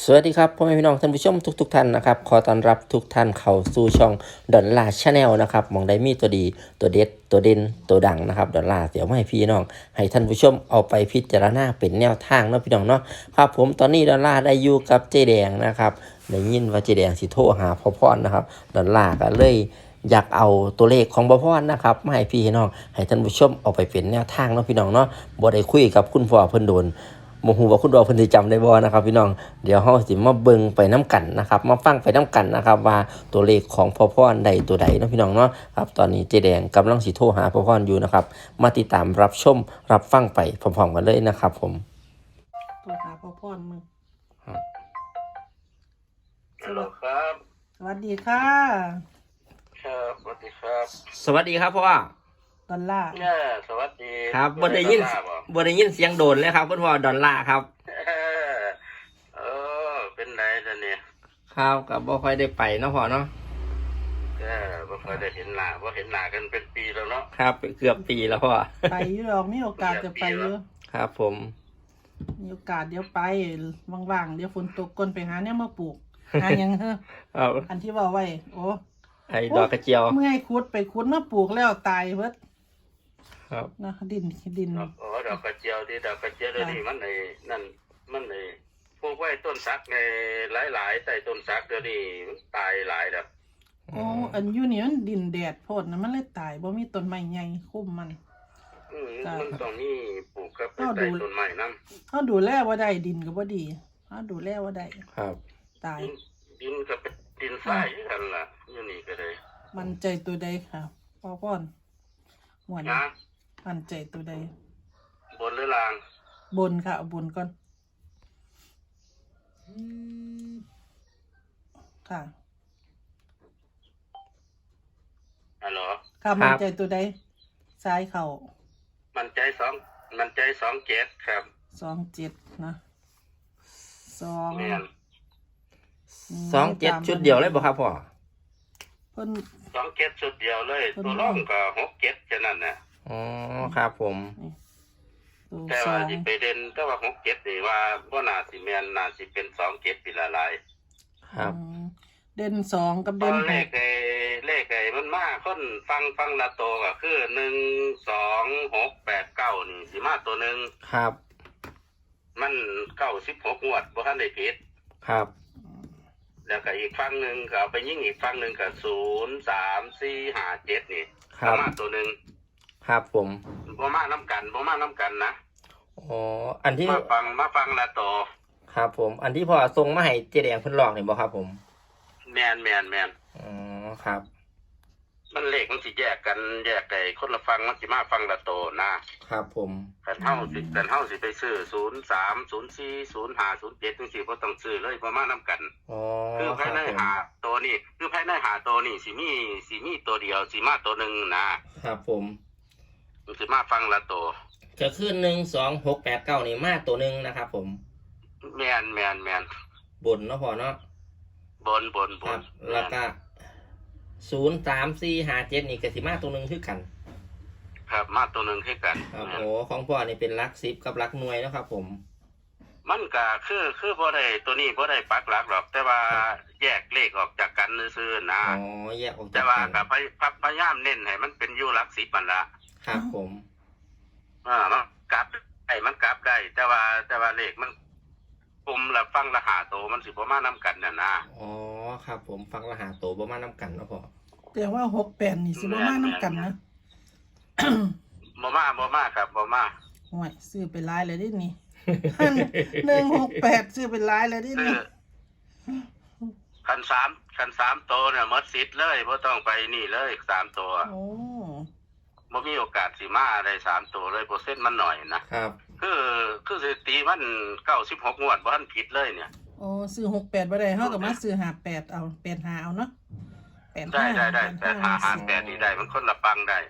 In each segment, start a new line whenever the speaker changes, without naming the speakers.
สวัสดีครับพ่อแม่พี่น้องท่านผู้ชมทุกท่านนะครับขอต้อนรับทุกท่านเข้าสู่ช่องดอนลาชาแนลนะครับมองได้มีตัวดีตัวเด็ดตัวเด่นตัวดังนะครับดอนลาเดี๋ยวมาให้พี่น้องให้ท่านผู้ชมเอาไปพิจารณาเป็นแนวทางเนาะพี่น้องเนาะครับผมตอนนี้ดอนลาได้อยู่กับเจแดงนะครับได้ยินว่าเจแดงสิโทรหาพ่อพรนะครับดอนลาก็เลยอยากเอาตัวเลขของพ่อพรนะครับมาให้พี่น้องให้ท่านผู้ชมเอาไปเป็นแนวทางเนาะพี่น้องเนาะบ่ได้คุยกับคุณพ่อเพิ่นโดนโมโหว่าคุณดอกเพิ่นสิจำได้บ่นะครับพี่น้องเดี๋ยวเฮาสิมาเบิ่งไปน้ำกันนะครับมาฟังไปน้ำกันนะครับว่าตัวเลขของพ่อพรใดตัวใดเนาะพี่น้องเนาะครับตอนนี้เจแดงกำลังสิโทรหาพ่อพรอยู่นะครับมาติดตามรับชมรับฟังไปพร้อมๆกันเลยนะครับผม
โทรหาพ่อพรมึง
ฮัลโหลครับ
สวัสดีค่ะ
ครับสวัสดีครับ
สวัสดีครับพ่อ
ดอลลาร์
เนี่ยสวัสดี
ครับบ่ได้ยินเสียงโดนเลยครับคุณพ่อดอลลาร์ครับ
เออเป็นไรล่ะเนี่ย
ครับก็บ่ค่อยได้ไปเนาะพ่อเนาะ
บ่ค่อยได้เห็นหน้าบ่เห็นหน้ากันเป็นปีแล้วเนาะ
ครับเกือบปีแล้วพ่อ
ไปอยู่หรอกมีโอกาสจะไปเยอะ
ครับผม
มีโอกาสเดี๋ยวไปว่างๆเดี๋ยวฝนตกก่อนไปหาเนี่ยมาปลูกหาหยังเฮ้อ
ครับ
อันที่ว่าไว้โอ้
ไอ้ดอกกระเจียว
เมื่อยขุดไปขุดมาปลูกแล้วตายเบิด
ครับ
นะดิน
อ๋อดอกกระเจียวที่ดอกกระเจียวเดี๋ยวนี้มันนั่นมันพวกไว้ต้นสักในหลายๆใต้ต้นสักเดี๋ยวนี้ตายหลายแล้ว
โอ้อันอยู่นี่มันดินแดดโพดนะมันเลยตายบ่มีต้นไม้ใหญ่คุ้มมัน
มันต้องมีปลูกกับใต้ต้นไม้นำ
เฮาดูแลบ่ได้ดินก็บ่ดีเฮาดูแลบ่ได้
ครับ
ตาย
ดินก็เป็นดินทรายกันล่ะอยู่นี่ก็เลย
มันใจตัวใดค่ะพ่อพรหัวหน้ามันใจตัวใด
บนหรือล่าง
บนค่ะเอาบนก่อนค่ะ
ฮัลโหล
ค่ะมันใจตัวใดซ้ายเข่า
มันใจ2เจ็ดครับ
27นะ
27ชุดเดียวเลยบ่ครับพ่อ
เพิ่น
27ชุดเดียวเลยตัวรองก็67แค่นั้นน่ะ
อ๋อครับผม
แต่ว่าสิไปเด่นแต่ว่า67นี่ว่าบ่น่าสิแม่นน่าสิเป็น27ปีละหลาย
ครับ
เด่น2กับเด่น
เลขมันมาคนฟังละโตก็คือ1 2 6 8 9นี่สิมาตัวนึง
ครับ
มัน96งวดบ่ทันได้ผิด
ครับ
แล้วก็อีกฝั่งนึงก็เอาไปยิงอีกฝั่งนึงก็0 3 4 5 7นี่มาตัวนึง
ครับผม
บ่มาน้ำกันนะ
อ๋ออันที่
มาฟังละโต
ครับผมอันที่พ่อส่งมาให้เจแดงเพิ่นลอกนี่บ่ครับผม
แม่น
อ๋อครับ
มันเลขมันสิแยกไอ้คนละฟังมันสิมาฟังละโตนะครับ
ผม
กันเฮาสิไปซื้อ03 04 05 07จังซี่บ่ต้องซื้อเลยบ่มานํกัน
อ๋อ
คือภายในหาตัวนี้คือภายในหาตัวนี้สิมีตัวเดียวสิมาตัวนึง
นะครับผม
มันสิมาฟังละโต
ก็คือ1 2 6 8 9นี่มาตัวนึงนะครับผม
แม่น
บนเนาะพ่อเนาะ
บน
แล้วก็0 3 4 5 7นี่ก็สิมาตัวนึงคือกัน
ครับมาตัวนึงคือกัน
ครับโอ้ของพ่อนี่เป็นหลัก10กับหลักหน่วยนะครับผม
มันก็คือบ่ได้ตัวนี้บ่ได้ปักหลักหรอกแต่ว่าแยกเลขออกจากกันซื่อๆนะ
อ๋อแยกออกจากกัน
แต่ว่าก็พยายามเน้นให้มันเป็นอยู่หลัก10มันละ
ครับผม
มันกลับได้แต่ว่าเลขมันกลุ่มละฟังละหาโตมันสิบ่มานํกันน่ะนะ
อ๋อครับผมฟังละหาโตบ่มานํกันเนาะพ่อ
แต่ว่า68นี่สิบ่มานํกันนะ
บ่มาครับบ่มา
โอ้ยซื้อไปหลายเลยดินี่168ซื้อไปหลายเลยดินี่
คัน3โตเนี่ยหมดสิทธิ์เลยบ่ต้องไปนี่เลย3ตัว
โอ้
บ่มีโอกาสสิมาได้3ตัวเลยเปอร์เซ็นต์มันน้อยนะครับคือสถิติมัน96งวดบ่ทันผิดเลยเนี่ย
อ๋อซื้อ68บ่ได้เฮาก็มาซื้อ58เอา85เอาเนาะ
85ได้8558นี่ได้มันคนละปังได้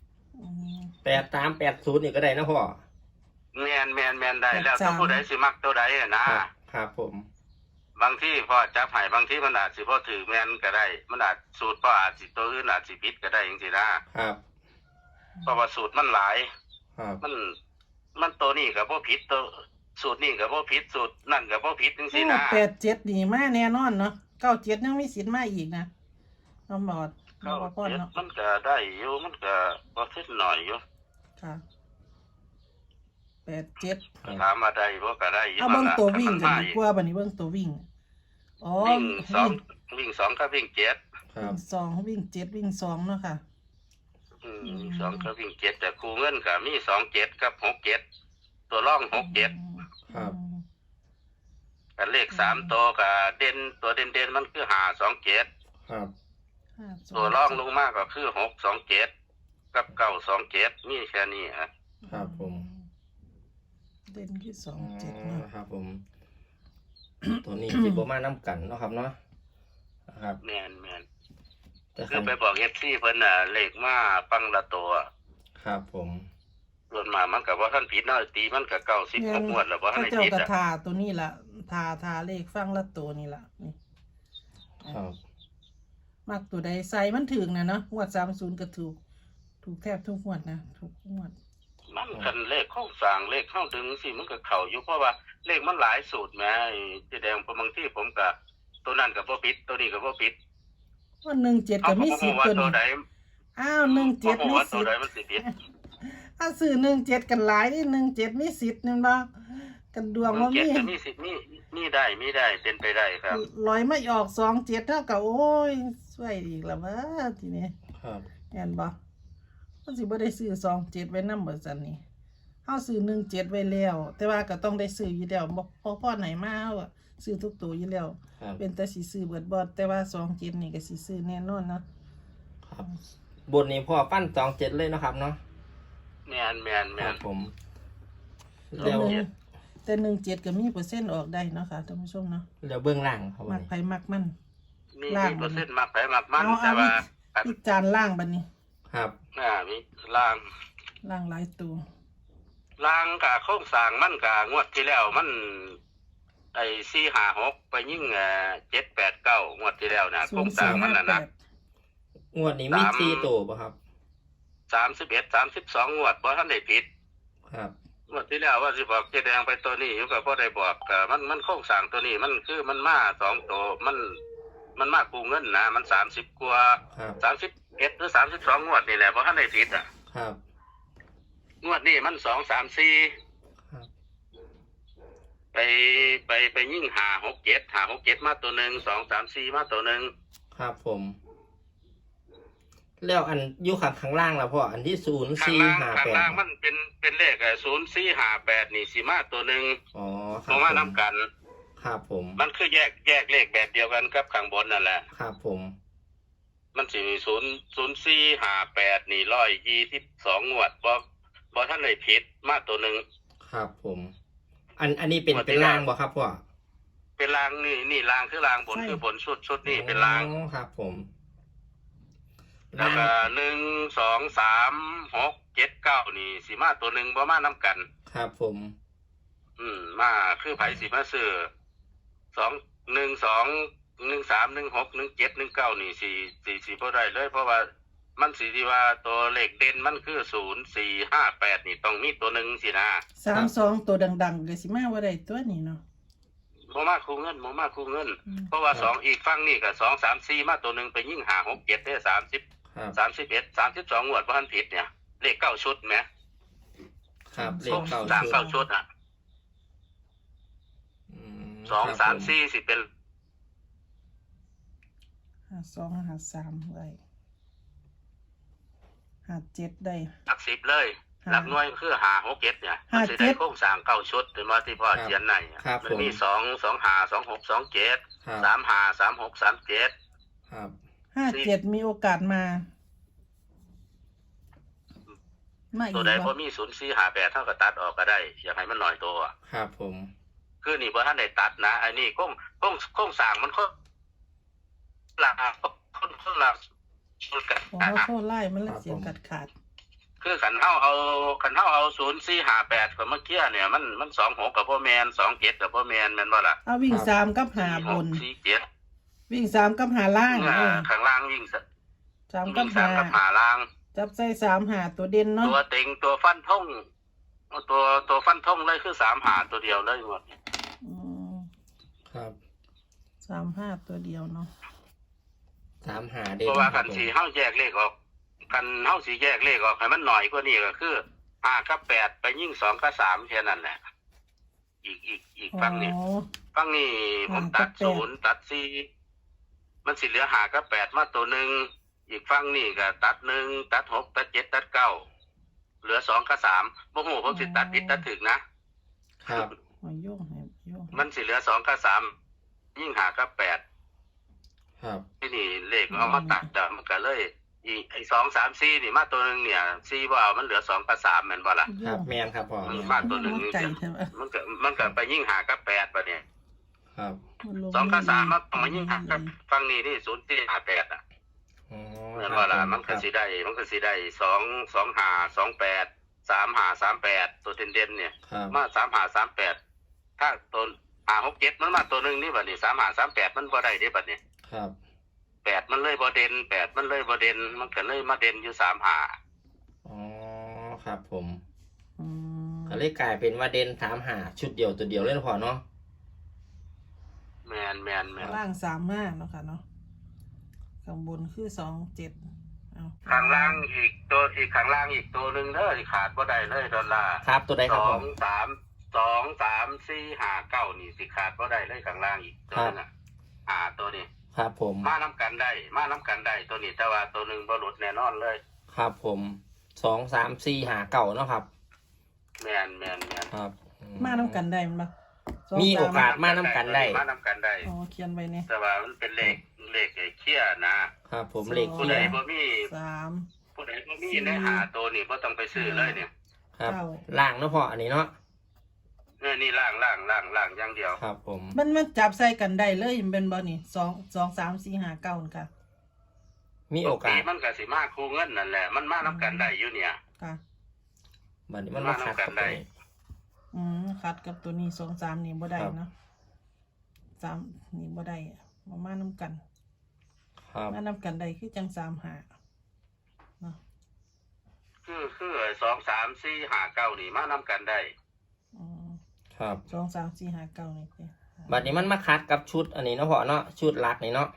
83 80นี่ก็ได้นะพ่อ
แม่นได้แล้วถ้าผู้ใดสิมักตัวใด
ครับผม
บางที่พอจับให้บางที่มันอาจสิบ่ถือแม่นก็ได้มันอาจสูตรพออาจสิตัวอื่นอาจสิผิดก็ได้จังซี่นะครับเพราะว่าสูตรมันหลาย
ครับ
มันตัวนี้ก็บ่ผิดตัวสูตรนี่ก็บ่ผิดสูตรนั่นก็บ่ผิดจังซี่นะ
87นี่มาแน่นอนเนาะ97ยังมีสิทธิ์มาอีกนะน้องบอดน้องบ่พรเนาะ
มันก็ได้อยู่มันก็บ่ทิดหน่อยอยู่
ค่ะ87
ถามว่าได้บ่ก็ได้อยู่
เอาเบิ่งตัววิ่ง
กั
กันดีกว่าบัดนี้เบิ่งตัววิ่งอ๋อ
วิ่งสองกับวิ่งเจ็ด
ครับ
สองวิ่ง7วิ่ง2เนาะค่ะ
วิ่งสองกับวิ่งเจ็ดแต่ครูเงินก็มี27กับ67ตัวร่อง67
ครับ
กันเลข3ตัวก็เด่นตัวเด่นๆมันคือ527
ครับ
ตัวร่องลงมาก็คือ627กับ927มีแค่นี้ฮะ
ครับผม
เด่นที่
อ๋อ
27เนาะ
ครับผม ตัวนี้สิบ่มานํกันเนาะครับเนาะนะครับ
แม่น
แต่
คือไปบอก FC เพิ่นน่ะเลขมาปังละตัว
ครับผม
ส่วนมากมันก็บ่ทันผิดเนาะตีมันก็96งวดแล้วบ่ทัน
เขา
ได้
เจ้า
ผิด
ก็
อ่ะ
ทาตัวนี้ล่ะทาเลขฟังละตัวนี่ล่ะนี่
ครับ
มักตัวใดใส่มันถึงนะเนาะงวด30ก็ถูกแทบทุกงวดนะทุกงวด
มันคันเลขเข้าสร้างเลขเข้าดึงสิมันก็เข้าอยู่เพราะว่าเลขมันหลายสูตรแหมไอ้ที่แดงบางที่ผมก็ตัวนั้นก็บ่ผิดตัวนี้ก็บ่ผิด
ว่า17ก็มีสิทธิ์
ว่า
ตัว
ตัว
นี้
ใด
อ้าว17มี
ว่าตั
สิ
ว
ท
ใด
ธิ์
มันสิผิด
ถ้าซื้อ17กันหลายนี่17มีสิทธิ์นั่นบ่กันดวงว่า
เจ็
มี
ดก็มีสิทธิ์มีได้เป็นไปได้ครับ
ลอยไม่ออก27เท่ากับโอ้ยสวยอีกแล้วว่าทีนี้
ครับ
แม่นบ่มันสิบ่ได้ซื้อ27ไว้นำบ่ซั่นนี่เฮาซื้อ17ไว้แล้ว แต่ว่าก็ต้องได้ซื้ออยู่แล้วบ่พอไหนมาเฮาอะซื้อทุกตัวอยู่แล้ว
ครับ
เป็นแต่สิซื้อเบิดบ่แต่ว่า27นี่ก็สิซื้อแน่นอนเนาะ
ครับ บนนี้พ่อปั้น27เลยเนาะครับเนาะ
แม่น
ครับผม
แต่
แล้ว
แต่17ก็มีเปอร์เซ็นต์ออกได้เนาะค่ะท่านผู้ชมเนาะ
แล้วเบื้องล่างครับวั
มั
น
ก
นี้
ไผมักมัน
มี
ล่าง
เปอร์เซ็นต์มากไปมากมัน
เอา
แต่ว่า
อีกจานล่างบัดนี้
ครับ
มีล่าง
ล่างหลายตัว
ล่างกับโครงสร้างมันกับงวดที่แล้วมันไอ้456ไปยิ่ง789งวดที่แล้วนะโครงสร้างมันน่ะนะ
0458
งวดนี้มี4ตัวป่ะครับ
31 32งวดบ่ทันได้ผิด
ครับ
งวดที่แล้วว่าสิบอกเจ๊แดงไปตัวนี้อยู่ก็บ่ได้บอกก็มันโครงสร้างตัวนี้มันคือมันมา2ตัวมันมากู้เงินนะมัน30กว่า
ครับ
31หรือ32งวดนี่แหละบ่ทันได้ผิดอ่ะ
ครับ
งวดนี้มัน2 3 4
ครับ
ไปยิ่ง567มาตัวหนึง2 3 4มาตัวหนึง
ครับผม แล้วอันอยู่ข้างล่างแล้วพ่ออันที่
ข้างล่าง
0458
มันเป็นเลข0458นี่สิมาตัวหนึง
อ๋อค
เพ
รับ
ราะว่านํกัน
ครับผม
มันคือแยกเลขแบบเดียวกันกับข้างบนนั่นแหละ
ครับผม
มันสิมี0458นี่122งวดบ่ทันได้ผิดมาตัวหนึง
ครับผม อันนี้เป็นล่างบ่ครับพ่อ
เป็นรางนี่รางคือรางบนคือบนชุดนี่เป็นราง
อ๋อครับผม
แล้วก็1 2 3 6 7 9นี่สิมาตัวหนึงบ่มานํกัน
ครับผม
มาคือไผสิมาซื้อ2 1 2 1 3 1 6 1 7 1 9นี่สิบ่ได้เลยเพราะว่ามันสิที่ว่าตัวเลขเด่นมันคือ0 4 5 8นี่ต้องมีตัวหนึงสินะ
32ตัวดังๆก็สิมาบ่ได้ตัวนี้เนาะ
บ่มาคูเงินเพราะว่า2อีกฝั่งนี่ก็2 3 4มาตัวหนึงไปยิ่ง5 6 7ได้30
ครับ
31 32งวดบ่ทันผิดเนี่ยเลข9ชุดแหม
ครับเลข
สาม
9
เก้าชุดอ่ะ
อืม
2 3 4สิเป็น
52 53ไว้57ได้
หลัก10เลยหลักหน่วยคือ5 6 7เนี่ยมันสิได้โครงสร้าง9ชุดถึงว่าที่พ่อเขียนในมันมี2 2 5 2 6 2 7
ครับ
3 5 3 6 3 7
ครับ
57มีโอกาสมาอี
ตัว
ก
ใด
บ่
บ่มี0 4 5 8เท่ากับตัดออกก็ได้อยากให้มันน้อยตัว
ครับผม
คือนี่บ่ทันได้ตัดนะอันนี้โครงสร้างมันหลักคนละชุดกัน
โอ้โหโทษไล่มันละเสียงขาด
คือขันเฮาเอา0458ก็เมื่อกี้เนี่ยมัน26กับบ่แม่น27กับบ่แม่นแม่นบ่ล่ะ
เอาวิ่ง3กับ5บน
47
วิ่ง3กับ5ล่าง
ข้างล่างวิ่ง
3กับ
3กับ5ล่าง
5จับใส่3 5ตัวเด่นเนาะ
ตัวเต็งตัวฟันทงเอาตัวฟันธงเลยคือ3หาตัวเดียวเลยหมด
อืม
ครับ
35ตัวเดียวเนาะ
3 หาเด่
เพ
น
ราะว่า
ครั
กับ น
ผม
สีเฮาแยกเลขออกกันเฮาสิแยกเลขออกให้มันหน่อยกว่านี้ก็คือ5กับ8ไปยิ่ง2กับ3แค่นั้นแหละอีกฝั่งนี้
อ๋อ
ฝั่งนี้ผมตัด
5กับ8
0ตัด4มันสิเหลือ5กับ8มาตัวหนึงอีกฝั่งนี้ก็ตัด1ตัด6ตัด7ตัด9เหลือ2กับ3บ่ฮู้ผมสิตัดผิดตัดถูกนะครับ
มาโยงให้โยงให้
มันสิเหลือ2กับ3ยิ่ง5กับ8
ครับ
ที่นี่เลขเอามาตัดแต่มันก็เลยอีไอ้2 3 4นี่มาตัวนึงเนี่ย4บ่เอามันเหลือ2กับ3แม่นบ่ล่ะ
ครับแม่นครับพ่อ
มัน
แม่น
มาตัวหนึ่ง
ไก่ใช่ไหม
มันก็ไปยิ่ง5กับ8ป่ะเนี่ย
ครับ
2กับ3มันต้องมายิ่ง5กับฝั่งนี้นี่0ที่58อ่ะ
อ๋อ
แม่นบ่ล่ะมันก็สิได้2 5 2 8 3 5 3 8ตัวเด่นๆเนี่ย
ครับ
มา3 5 3 8ถ้าตัว5 6 7มันมาตัวนึงนี่บัดนี้3 5 3 8มันบ่ได้เด้บัดนี้
ครับ
8มันเลยบ่เด่น8มันเลยบ่เด่นมันก็เลยมาเด่นอยู่3 5
อ๋อครับผม
อืม
ก็เลยกลายเป็นว่าเด่น3 หาชุดเดียวตัวเดียวเลยนะพ่อเนาะ
แม่น
ล่าง35เนาะค่ะเนาะข้างบนคือ27เอา
ข้างล่างอีกข้างล่างอีกตัวนึงเด้อที่ขาดบ่ได้เลยดอลลาร์
ครับตัวใดครับผม
2 3 4 5 9นี่สิขาดบ่ได้เลยข้างล่างอีกตัวนึงอ่ะตัวนี้
ครับผม
มาน้ำกันได้ตัวนี้แต่ว่าตัวนึงบ่หลุดแน่นอนเลย
ครับผม2 3 4 5 9เนาะครับ
แม่น
ครับ
มาน้ำกันได้มั้ยบ่
มีโอกาส มาน้ำกันได้
มาน้ำกันได้
อ๋อเขียนไว้เนี่ย
แต่ว่ามันเป็นเลขไอ้เคี้ยนะครับ
ผมเลข
ผู้
เคี
ใด
ย
บ่มี
3
ผู้ใดบ่มีในตัวนี่บ่ต้องไปซื้อเลยเนี่ย
ครับ
เก้า
ล่างเนาะพ่ออันนี้เนาะ
นี่ล่างอย่างเดียว
ครับผม
มันจับใส่กันได้เลยมันเป็นบ่นี่2 3 4 5 9นี่ค่ะ
มีโอกาส
มันก็สิมาคู่เงินนั่นแหละมันมาน้ำกันได้อยู่เนี่ย
ค่ะ
บัดนี้มันมาขัดกับ
ได้
ตัวนี้
คัดกับตัวนี้2 3นี่บ่ได้เนาะ3นี่บ่ได้มาน้ำกัน
ครับ
มาน้ำกันได้คือจัง3 5เนาะ
คือ2 3 4 5 9นี่มาน้ำกันได้
อืม
ครับ
2 3 4 5 9นี่สิ
บัดนี้มันมาคัดกับชุดอันนี้เนาะพ่อเนาะชุดหลักนี่เนาะ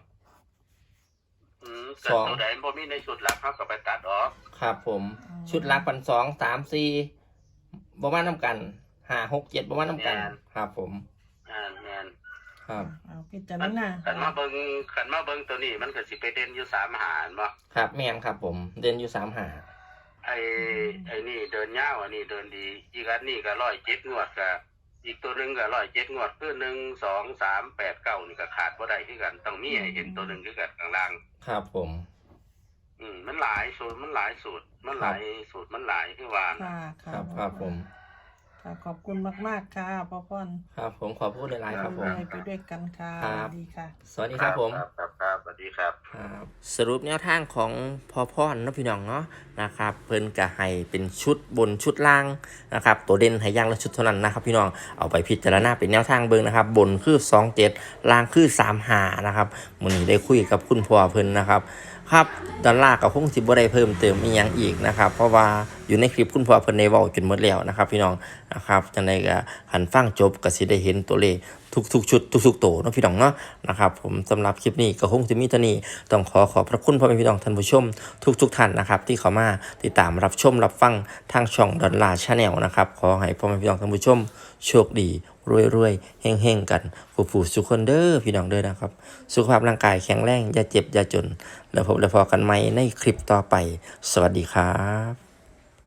เกิดตัวใดบ่มีในชุดหลักเขาก็ไปตัดออก
ครับผมชุดหลักปัน2 3 4บ่มาน้ำกัน5 6 7บ่มาน้ำกัน ครับผม
แม่น
ครับ
เอาพิจารณา
ขันมาเบิ่งตัวนี้มันก็สิไปเด่นอยู่3หารบ่
ครับแม่นครับผมเด่นอยู่3 หา
ไอ้นี่เดินยาวอันนี้เดินดีอีกอันนี้ก็107งวดก็อีกตัวนึงก็107งวดคือ1 2 3 8 9นี่ก็ขาดบ่ได้คือกันต้องมีให้เห็นตัวนึงคือกันข้างล่าง
ครับผม
มันหลายสูตรมันหลายคือว่า
ค่ะ
ครับครับผม
ค่ะขอบคุณมากๆค่ะพ่อพ่อน
ครับผมขอพูดหลายๆครับผม
ไปด้วยกันค่ะ
ครับ
ดีค่ะ
สวัสดีครับผม
ครับสวัสดีครับ
ครับสรุปแนวทางของพ่อพ่อนนะพี่น้องเนาะนะครับเพิ่นก็ให้เป็นชุดบนชุดล่างนะครับตัวเด่นให้อย่างละชุดเท่านั้นนะครับพี่น้องเอาไปพิจารณาเป็นแนวทางเบิ่งนะครับบนคือ27ล่างคือ35นะครับมื้อนี้ได้คุยกับคุณพ่อเพิ่นนะครับครับดอลลาร์ก็คงสิบ่ได้เพิ่มเติมอีหยังอีกนะครับเพราะว่าอยู่ในคลิปคุณพ่อเพิ่นได้เว้าจนหมดแล้วนะครับพี่น้องนะครับจังได๋ก็หันฟังจบก็สิได้เห็นตัวเลขทุกๆชุดทุกๆโตเนาะพี่น้องเนาะนะครับผมสำหรับคลิปนี้ก็คงจะมีเท่านี้ต้องขอบพระคุณพ่อแม่พี่น้องท่านผู้ชมทุกท่านนะครับที่เข้ามาติดตามรับชมรับฟังทางช่องดอลลาร์ชาแนลนะครับขอให้พ่อแม่พี่น้องท่านผู้ชมโชคดีรวยๆเฮงๆกันผู้สุขคนเด้อพี่น้องเด้อนะครับสุขภาพร่างกายแข็งแรงอย่าเจ็บอย่าจนแล้วพบแล้วพอกันใหม่ในคลิปต่อไปสวัสดีครับ